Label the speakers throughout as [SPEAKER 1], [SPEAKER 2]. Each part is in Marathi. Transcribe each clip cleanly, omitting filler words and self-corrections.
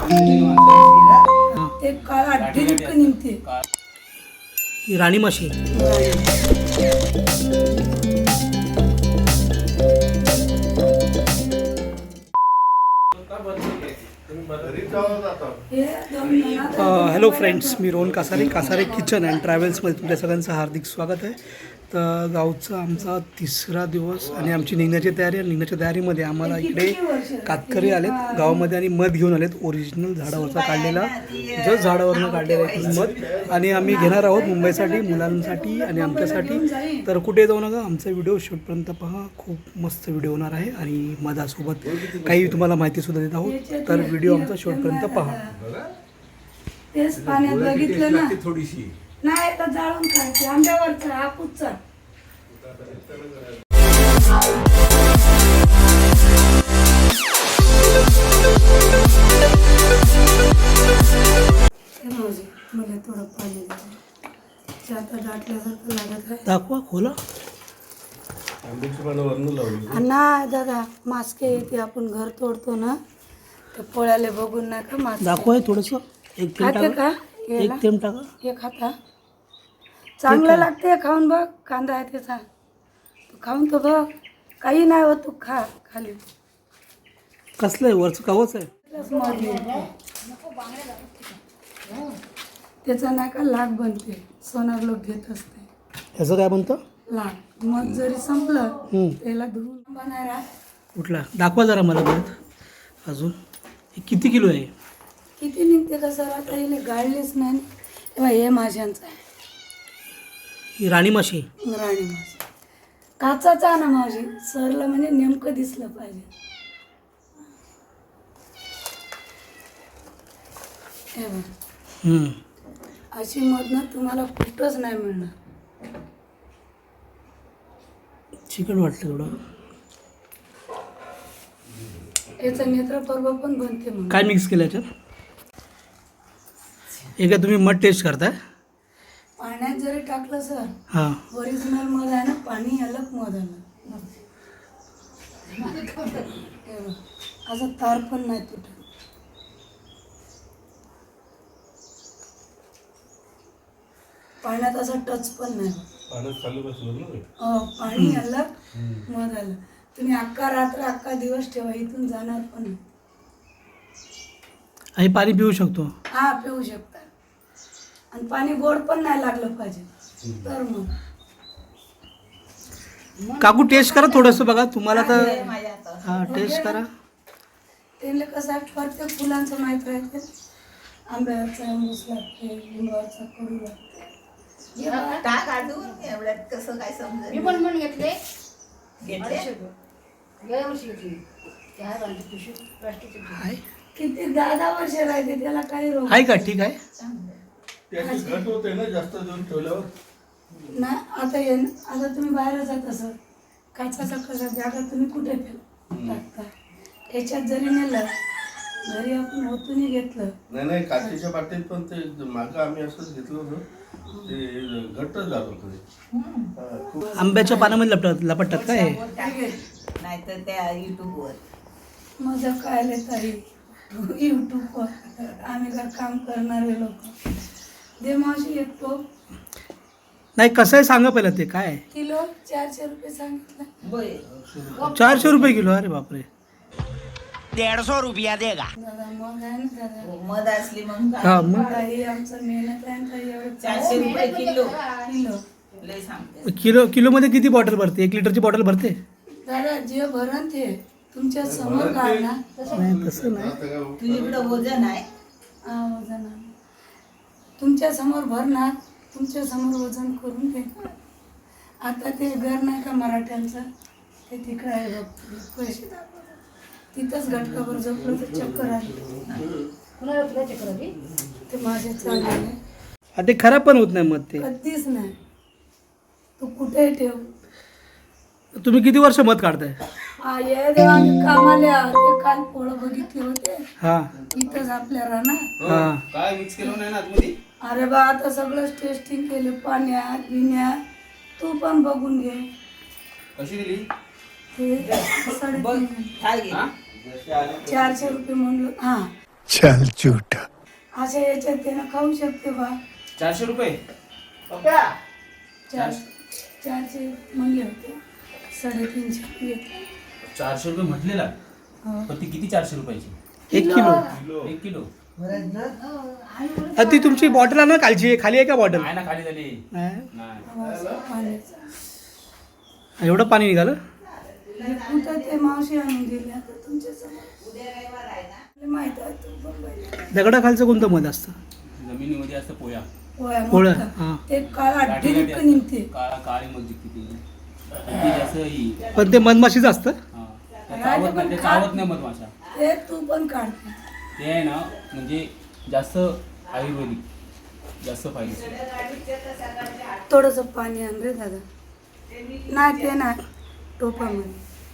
[SPEAKER 1] ते काळा ढिंक निघते.
[SPEAKER 2] ही राणी माशी. हॅलो फ्रेंड्स, मी रोहन कासारे, कासारे किचन अँड ट्रॅव्हल्समध्ये तुमच्या सगळ्यांचं हार्दिक स्वागत आहे. तर गावचा आमचा तिसरा दिवस आणि आमची निघण्याची तयारी आहे. निघण्याच्या तयारीमध्ये आम्हाला इकडे कातकरी आलेत गावामध्ये आणि मध घेऊन आलेत. ओरिजिनल झाडावरचा काढलेला, जस्ट झाडावरनं काढलेला आहे मध. आणि आम्ही घेणार आहोत मुंबईसाठी, मुलांसाठी आणि आमच्यासाठी. तर कुठे जाऊ नका, आमचा व्हिडिओ शेवटपर्यंत पहा. खूप मस्त व्हिडिओ होणार आहे आणि मधासोबत काही तुम्हाला माहितीसुद्धा देत आहोत. तर व्हिडिओ आमचा शेवटपर्यंत पहा.
[SPEAKER 1] तेच पाण्यात बघितलं ना, थोडीशी नाही तर जाळून खायचे. आंब्यावरचा हापूसचा मला थोडं पाणी आता दाटल्यासारखं लागत आहे.
[SPEAKER 2] दाखवा, खोला.
[SPEAKER 1] ना दादा, मास्के येते, आपण घर तोडतो ना, तर पोळ्याला बघून नाही का मास्क
[SPEAKER 2] दाखवा थोडंसं. एक थेंब
[SPEAKER 1] खाते
[SPEAKER 2] टाका,
[SPEAKER 1] का?
[SPEAKER 2] एक थेंब टाका.
[SPEAKER 1] हे खाता चांगलं लागते, खाऊन बघ. कांदा आहे त्याचा, तू खाऊन तर बघ. काही नाही होत, तू खा. खाली
[SPEAKER 2] कसलं आहे? वरचं कवच आहे.
[SPEAKER 1] त्याचा नाही का लाग बनते, सोनार लोक घेत असते.
[SPEAKER 2] ह्याचं काय म्हणतं?
[SPEAKER 1] लाग. मग जरी संपलं त्याला धुवून बनायला.
[SPEAKER 2] कुठला दाखवा जरा मला परत अजून. हे किती किलो आहे?
[SPEAKER 1] किती निघते का सर? आता येईल गाळलीच नाही. तेव्हा हे माझ्यांचं आहे.
[SPEAKER 2] ही राणी माशी.
[SPEAKER 1] राणी माशी काचाचा ना माझी. सरला म्हणजे नेमकं दिसलं पाहिजे. हे बघ, अशी मधनं तुम्हाला कुठंच नाही मिळणार.
[SPEAKER 2] चिकन वाटतं थोडं.
[SPEAKER 1] याचं नेत्रपर्व पण बनते. मग
[SPEAKER 2] काय मिक्स केलं याच्यात? हे काय तुम्ही मध टेस्ट करताय?
[SPEAKER 1] पाण्यात जरी टाकलं सर,
[SPEAKER 2] हां,
[SPEAKER 1] ओरिजिनल मध आहे ना, पाणी अलग मध आलं. हे बघ, असं तार पण नाही तुटत. पाण्यात असं टच पण नाही. पाणी अलग मध आलं. तुम्ही अख्खा रात्र अख्खा दिवस ठेवा, इथून जाणार पण नाही.
[SPEAKER 2] आणि पाणी पिऊ शकतो?
[SPEAKER 1] हा, पिऊ शकता. आणि पाणी गोड पण नाही लागलं पाहिजे. तर मग
[SPEAKER 2] काकू टेस्ट करा थोडंसं, बघा तुम्हाला तर. हां, टेस्ट करा.
[SPEAKER 1] त्याला कसं आहे, प्रत्येक फुलांचं माहीत राहते. आंब्यावरचा आंबूस लागते, लिंबावरचा कडू लागते.
[SPEAKER 3] टाक आडून एवढ्यात कसं काय समजेल.
[SPEAKER 4] मी पण घेतले.
[SPEAKER 2] आहे
[SPEAKER 1] किती 10 वर्ष राहते, त्याला काही रोग
[SPEAKER 2] आहे का? ठीक आहे.
[SPEAKER 1] नाही. आता तुम्ही बाहेर जात असं काचाचा कसा जागा तुम्ही कुठे टाकता? याच्यात जरी नेलं, घरी आपण ओतूनही घेतलं.
[SPEAKER 5] नाही, काचेच्या बाटलीत पण ते मागं आम्ही असंच घेतलं होतं, ते घट्ट झालं होतं.
[SPEAKER 2] आंब्याच्या पानामध्ये लपटतात काय?
[SPEAKER 3] नाही तर त्या युट्यूबवर
[SPEAKER 1] मजा काय तरी युट्यूबवर आम्ही घर काम करणारे लोक. दे मावशी एक टोप.
[SPEAKER 2] नाही, कसं आहे सांगा पहिलं. ते काय
[SPEAKER 1] किलो 400 रुपये सांगितलं.
[SPEAKER 2] 400 रुपये किलो? अरे बापरे.
[SPEAKER 6] 150 रुपया देगा.
[SPEAKER 1] दादा मग आहे ना दादा.
[SPEAKER 3] मध असली मग
[SPEAKER 2] हां, मग
[SPEAKER 1] काही आमचं मेहनत आहे ना, एवढं
[SPEAKER 3] 400 रुपये किलो.
[SPEAKER 1] किलो.
[SPEAKER 3] लय सांगते.
[SPEAKER 2] किलोमध्ये किती बॉटल भरते? 1 लिटरची बॉटल भरते?
[SPEAKER 1] दादा जे भरण ते तुमच्या समोर काढणार.
[SPEAKER 2] नाही, तसं नाही.
[SPEAKER 3] तुझ्याकडं वजन आहे.
[SPEAKER 1] हा, वजन आहे. तुमच्या समोर भरणार, तुमच्या समोर वजन करून घे. आता ते घर नाही का मराठ्यांचं, ते तिकडं आहे बघ. पैसे दाखवतात तिथंच घटकावर झोपलं तर चक्कर आली. ते माझे चालले.
[SPEAKER 2] ते खराब पण होत नाही मग ते.
[SPEAKER 1] कधीच नाही. तू कुठे ठेव.
[SPEAKER 2] तुम्ही किती वर्ष मध काढताय?
[SPEAKER 1] ये देवा, मी कामाला ते काल पोळं बघितले होते
[SPEAKER 2] हां
[SPEAKER 1] इथंच आपल्या रानात.
[SPEAKER 2] हां.
[SPEAKER 5] काय मिक्स केलं नाही ना आतमध्ये?
[SPEAKER 1] अरे बा, आता सगळंच टेस्टिंग केले, पाण्यात बिण्यात. तू पण बघून घे.
[SPEAKER 5] कशी दिली?
[SPEAKER 1] ते 3.5
[SPEAKER 3] काय घे.
[SPEAKER 1] 400 रुपये म्हणलं. हां,
[SPEAKER 4] चल झूठा.
[SPEAKER 1] अशा याच्यात त्यानं खाऊ शकते बा.
[SPEAKER 7] 400 रुपये.
[SPEAKER 1] चार 400 म्हणले होते, 350 घेतले.
[SPEAKER 7] 400 रुपये म्हटलेला.
[SPEAKER 1] हो.
[SPEAKER 7] पण ती किती 400 रुपयाची?
[SPEAKER 2] 1 किलो.
[SPEAKER 7] 1 किलो.
[SPEAKER 2] ती तुमची बॉटल आहे ना कालची आहे, खाली आहे का बॉटल?
[SPEAKER 7] आहे ना, खाली झाली.
[SPEAKER 2] नाही.
[SPEAKER 7] नाही.
[SPEAKER 1] पाण्याचं
[SPEAKER 2] एवढं पाणी निघालं?
[SPEAKER 1] हे कुठं ते मावशी आणून दिले आता तुमच्या समोर माहित आहे. तू बघायला
[SPEAKER 2] दगडाखालचं कोणतं मध असतं?
[SPEAKER 7] जमिनीमध्ये असतं पोया.
[SPEAKER 2] पोळं, हां.
[SPEAKER 1] ते काळा डिलिट निघते.
[SPEAKER 7] काळी मग दिसते ती. ती जास्त ही.
[SPEAKER 2] पण ते मधमाशीचं असतं?
[SPEAKER 7] हा. ते चावत नाही, ते चावत नाही मधमाशा.
[SPEAKER 1] ते तू पण काढते.
[SPEAKER 7] ते आहे ना, म्हणजे जास्त आयुर्वेदिक, जास्त फायदेशीर.
[SPEAKER 1] थोडस पाणी आण रे दादा. नाही ते नाही, टोपामध्ये.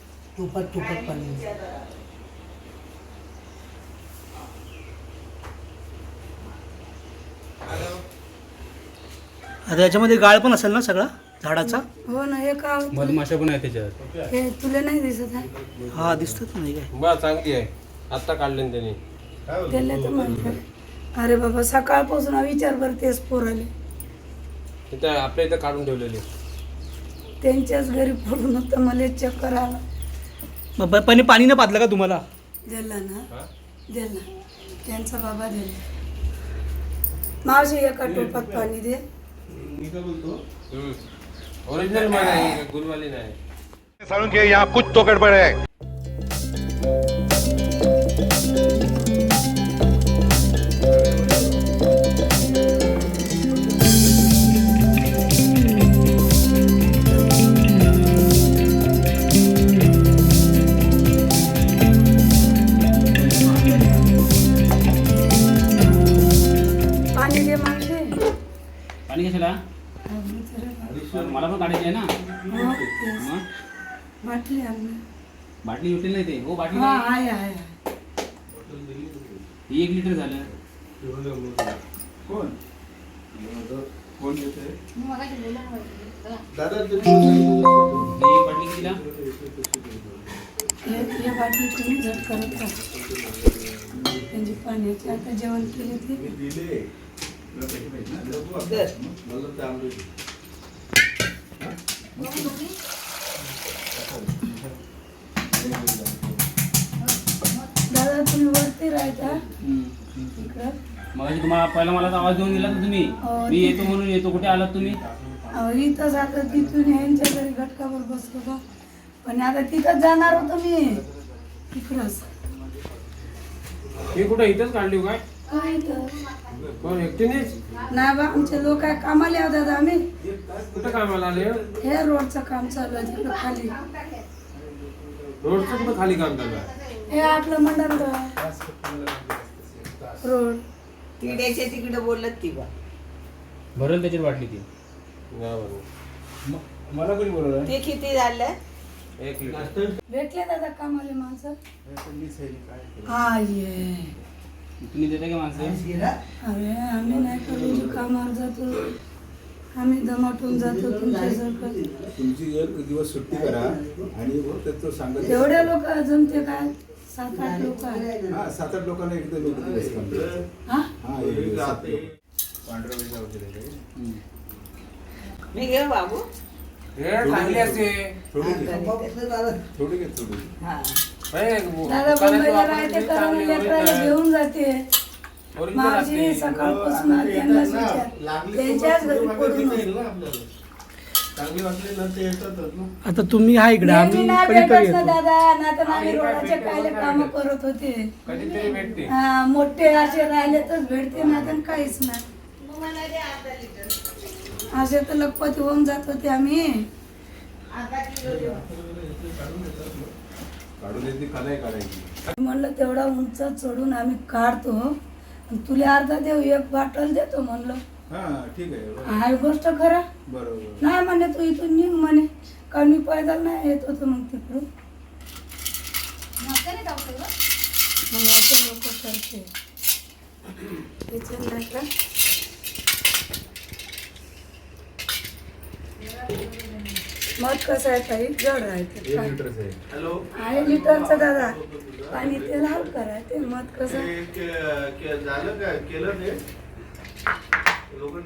[SPEAKER 2] आता याच्यामध्ये गाळ पण असेल ना सगळा झाडाचा?
[SPEAKER 1] हो ना. हे का होतं?
[SPEAKER 7] मधमाशा पण आहे त्याच्यात.
[SPEAKER 1] हे तुला नाही दिसत आहे?
[SPEAKER 2] हा दिसतात नाही काय?
[SPEAKER 8] बा चांगली आहे, आत्ता काढले त्यांनी.
[SPEAKER 1] त्याला तर माहित आहे. अरे बाबा सकाळपासून विचार बर तेच पोराले.
[SPEAKER 8] इथं आपल्या इथं काढून ठेवलेली.
[SPEAKER 1] त्यांच्याच घरी पडून होतं, मला चक्कर आला.
[SPEAKER 2] मग पाणी न पाजलं का तुम्हाला?
[SPEAKER 1] दिला ना, दिला. त्यांचा बाबा दिला. मावशी एका टोपात पाणी दे.
[SPEAKER 8] ओरिजिनल मध्ये आहे, गुलवाली नाही.
[SPEAKER 4] साळुंखे के यहाँ कुछ तो गड़बड़ है.
[SPEAKER 1] पाणी दे मावशी.
[SPEAKER 7] पाणी कशाला? मला पण काढायची आहे ना.
[SPEAKER 1] हो, तेच.
[SPEAKER 7] मग
[SPEAKER 1] बाटली आण.
[SPEAKER 7] बाटली उठेल नाही ते. हो, बाटली
[SPEAKER 1] हा
[SPEAKER 7] नाही.
[SPEAKER 1] आहे.
[SPEAKER 7] ही 1 लिटर झालं.
[SPEAKER 5] कोण कोण देते दादा?
[SPEAKER 7] ही एक बाटली कितीला?
[SPEAKER 1] हे बाटली तुम्ही झट करत राहा. त्यांची पाण्याची आता जेवण केले ते.
[SPEAKER 5] दिले मला ते आंबे.
[SPEAKER 1] दादा तुम्ही वरती राहता इकडं.
[SPEAKER 7] मग तुम्हाला पहिला मला तर आवाज देऊन दिला तर तुम्ही.
[SPEAKER 1] हो,
[SPEAKER 7] मी येतो म्हणून येतो. कुठे आलात तुम्ही?
[SPEAKER 1] इथंच आता तिथून यांच्या घरी घटकावर बसलो का. पण आता तिथं जाणार होतो मी इकडंच.
[SPEAKER 8] ही कुठं इथंच काढली काय?
[SPEAKER 1] काय इथं?
[SPEAKER 8] कोण एकटीनेच?
[SPEAKER 1] नाही बा, आमचे लोक काय कामाला येऊ दादा. आम्ही
[SPEAKER 8] कुठं कामाला आले?
[SPEAKER 1] हे रोडचं काम चालू आहे तिकडं खाली.
[SPEAKER 8] रोडचं कुठं खाली काम चालू आहे?
[SPEAKER 1] हे आपलं मंडळ रोड.
[SPEAKER 3] तिकड्याच्या तिकडे बोलत ती बा.
[SPEAKER 7] भरल त्याच्यात बाटली ती.
[SPEAKER 8] गावाला.
[SPEAKER 5] मला कोणी बोलवलं?
[SPEAKER 3] ते किती झालं?
[SPEAKER 8] 1 लिटर.
[SPEAKER 1] भेटले दादा कामाले माणसं? हा ये.
[SPEAKER 7] तुम्ही देता का माणसं?
[SPEAKER 1] अरे आम्ही नाही करू, कामावर जातो आम्ही, दमाटून जातो तुमच्यासारखं.
[SPEAKER 5] तुमची एक दिवस सुट्टी करा आणि मग त्याचं सांगत.
[SPEAKER 1] एवढ्या लोक जमते काय? 7-8 लोक आहेत.
[SPEAKER 5] हा 7-8 लोकांना एकदा लोक दिवस काम करायचं.
[SPEAKER 1] हा
[SPEAKER 5] हा एक दिवस 7 लोक. पांढऱ्या वेळेला वगैरे काही.
[SPEAKER 3] मी घेऊ बाबू.
[SPEAKER 8] हे चांगली असते.
[SPEAKER 5] थोडी घे थोडी.
[SPEAKER 3] हा.
[SPEAKER 1] दादा मुंबईला राहते, करून लेकराला घेऊन जाते. माझी सकाळपासून त्यांनाच विचार, त्यांच्याच घरी पडून आहे.
[SPEAKER 5] चांगली वाटली ना ते येतातच ना.
[SPEAKER 2] आता तुम्ही हा इकडे,
[SPEAKER 1] नेहमी
[SPEAKER 2] आम्ही
[SPEAKER 1] नाही
[SPEAKER 2] कधीतरी
[SPEAKER 1] भेटत ना
[SPEAKER 2] येतो.
[SPEAKER 1] दादा, ना तर आम्ही रोडाचे कायले काम करत होते.
[SPEAKER 8] कधीतरी भेटते.
[SPEAKER 1] हा, मोठे असे राहिले तर भेटते ना, तर काहीच नाही. असे तर लखपती होऊन जात होते आम्ही.
[SPEAKER 5] काढून येते का नाही काढायची.
[SPEAKER 1] म्हणलं तेवढा उंच चढून आम्ही काढतो, आणि तुला अर्धा देऊ, 1 बाटल देतो म्हणलं.
[SPEAKER 5] हा ठीक आहे.
[SPEAKER 1] हाय गोष्ट खरा
[SPEAKER 5] बरोबर.
[SPEAKER 1] नाही म्हणे, तू इथून निघ म्हणे, कारण मी पैदल नाही येत होतो मग तिकडून. मग असे लोक करते. त्याच्यात नाही का मग कसं आहे ताई, जड राहते.
[SPEAKER 5] 1 लिटरच आहे. हॅलो.
[SPEAKER 1] आहे लिटरचं दादा. पाणी ते लाल करा ते मध कसं
[SPEAKER 5] झालं काय केलं ते लोक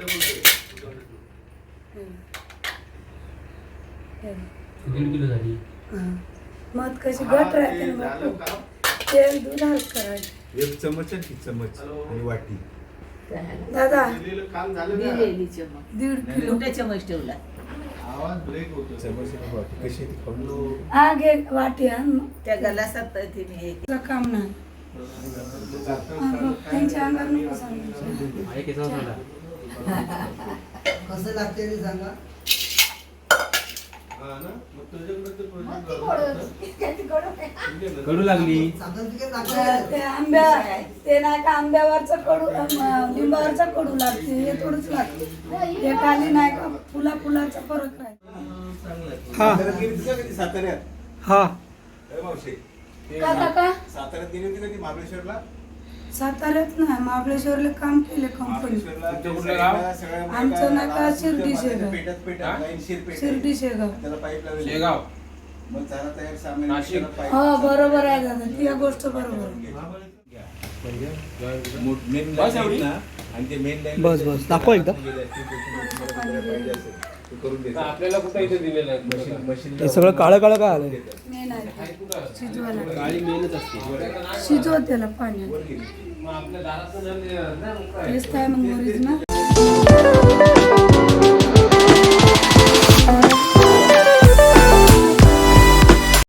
[SPEAKER 7] दीड किलो झाली.
[SPEAKER 1] मध कशी घट राहते ना बापू. तेल दूध हलक करायचं.
[SPEAKER 4] एक चमच आणि चमच आणि वाटी
[SPEAKER 1] दादा
[SPEAKER 5] काम झालं का?
[SPEAKER 3] दिलेली चमच
[SPEAKER 1] 1.5 किलो
[SPEAKER 3] मोठ्या चमच ठेवला
[SPEAKER 5] आवाज ब्रेक होतो
[SPEAKER 4] कशी
[SPEAKER 1] हा घे वाटी आण मग.
[SPEAKER 3] त्या गलासात तिने हे
[SPEAKER 1] तुझं काम नाही त्यांच्या अंगावर नको सांगायचं.
[SPEAKER 7] आहे केसावर झाला.
[SPEAKER 9] कसं लागते ते सांगा.
[SPEAKER 5] हा ना मग तुझ्याकडे ते प्रोजेक्ट
[SPEAKER 7] कडू लागली.
[SPEAKER 9] साखर तिकीट लागतं.
[SPEAKER 1] ते आंब्या ते नाही का आंब्यावरचं कडू लिंबावरचं कडू लागते हे थोडंच लागते हे खाली नाही का फुलाचा फरक आहे.
[SPEAKER 2] हां
[SPEAKER 4] साताऱ्यात
[SPEAKER 2] हां
[SPEAKER 4] मावशी
[SPEAKER 1] का काका
[SPEAKER 4] साताऱ्यात गेली होती का ती महाबळेश्वरला
[SPEAKER 1] साताऱ्यात नाही महाबळेश्वरला काम केले कंपनी.
[SPEAKER 8] तुमचं कुठलं गाव?
[SPEAKER 1] आमचं नाही का शिर्डी शेगाव.
[SPEAKER 4] पेटात
[SPEAKER 1] शिर्डी शेगाव.
[SPEAKER 4] त्याला पाईप लावली
[SPEAKER 8] शेगाव.
[SPEAKER 4] मग झाला तयार सामान
[SPEAKER 8] नाशिक.
[SPEAKER 1] हो बरोबर आहे दादा ती गोष्ट बरोबर आहे.
[SPEAKER 8] बस एवढी?
[SPEAKER 2] बस बस दाखवा एकदा.
[SPEAKER 8] तर आपल्याला कुठं इथे दिलेलं आहे?
[SPEAKER 2] हे सगळं काळं काळं काय आलंय.
[SPEAKER 1] मेन आहे शिजवायला
[SPEAKER 7] काळी मेनच असते.
[SPEAKER 1] शिजव त्याला पाण्यात
[SPEAKER 8] मग आपल्या दाराचं नळ दिलेलं ना.
[SPEAKER 1] तेच काय मग ओरिजिनल